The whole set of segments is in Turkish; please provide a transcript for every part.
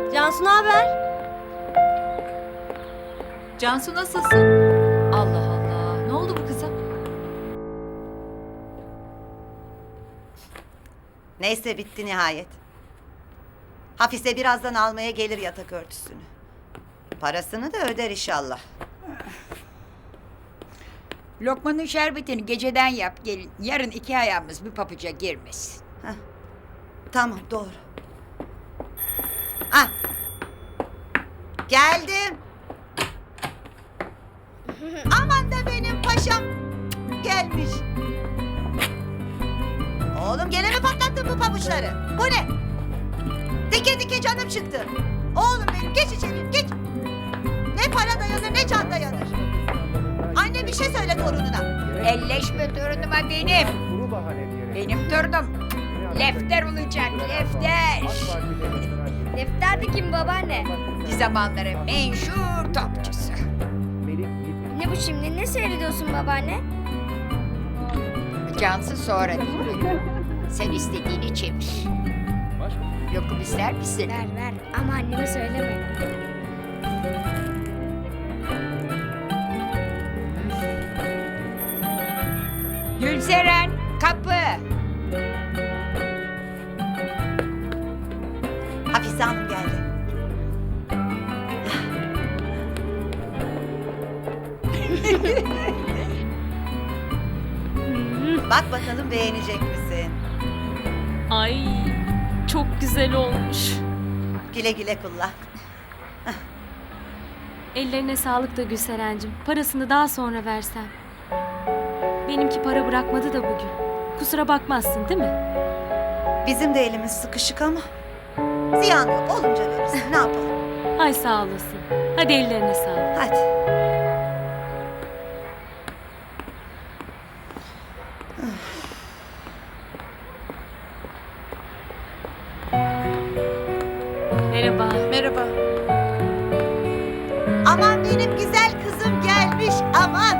Cansu ne haber? Cansu nasılsın? Allah Allah. Ne oldu bu kıza? Neyse bitti nihayet. Hafize birazdan almaya gelir yatak örtüsünü. Parasını da öder inşallah. Lokmanın şerbetini geceden yap gelin. Yarın 2 ayağımız bir papuca girmesin. Tamam doğru. Ah. Geldim. Aman da benim paşam gelmiş. Oğlum gene mi patlattın bu pabuçları? Bu ne? Dike dike canım çıktı. Oğlum benim geç içeri geç. Ne para dayanır ne can dayanır. Anne bir şey söyle torununa. Elleşme torunuma benim. Benim torunum. Lefter olacak lefter. Lefter de kim babaanne? Bir zamanların menşur topçusu. Ne bu şimdi? Ne seyrediyorsun babaanne? Cansı sonra değil. Sen istediğini çevir. Lokum ister misin? Ver ver ama anneme söyleme. Gülseren kapı. Hafize Hanım geldi. Bak bakalım beğenecek misin? Ay çok güzel olmuş. Güle güle kullan. Ellerine sağlık da Gülseren'cim. Parasını daha sonra versem. Benimki para bırakmadı da bugün. Kusura bakmazsın değil mi? Bizim de elimiz sıkışık ama ziyan yok. Olunca veririz. Ne yapalım? Ay sağ olasın. Hadi ellerine sağlık. Hadi. Merhaba. Merhaba. Aman benim güzel kızım gelmiş. Aman.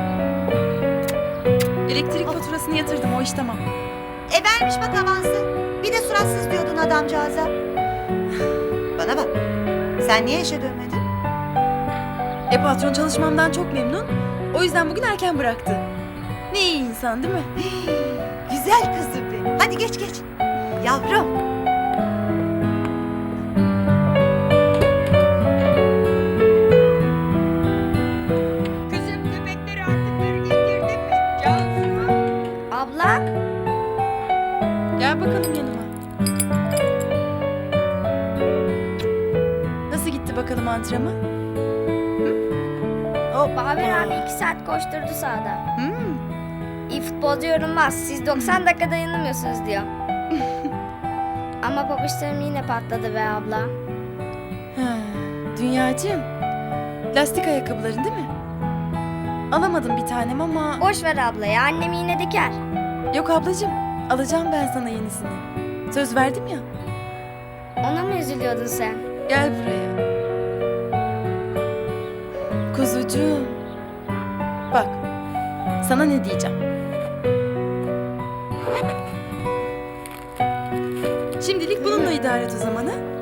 Elektrik faturasını yatırdım, o iş tamam. Vermiş bak avansı. Bir de suratsız diyordun adamcağıza. Bana bak. Sen niye işe dönmedin? Patron çalışmamdan çok memnun. O yüzden bugün erken bıraktı. Ne iyi insan değil mi? Güzel kızım benim. Hadi geç geç. Yavrum. Kızım köpekleri artıkları getirdin mi? Cansu. Abla? Gel bakalım yanıma. Nasıl gitti bakalım antrenman? Bahadır abi 2 saat koşturdu sahada. Hmm. İyi futbolcu yorulmaz. Siz 90 dakika dayanamıyorsunuz diyor. Ama pabuçlarım yine patladı be abla. Ha, Dünyacığım. Lastik ayakkabıların değil mi? Alamadım bir tanem ama... Boş ver abla ya, annem yine diker. Yok ablacığım. Alacağım ben sana yenisini. Söz verdim ya. Ona mı üzülüyordun sen? Gel buraya. Kuzucuğum. Bak. Sana ne diyeceğim. Şimdilik bununla idare et o zaman ha?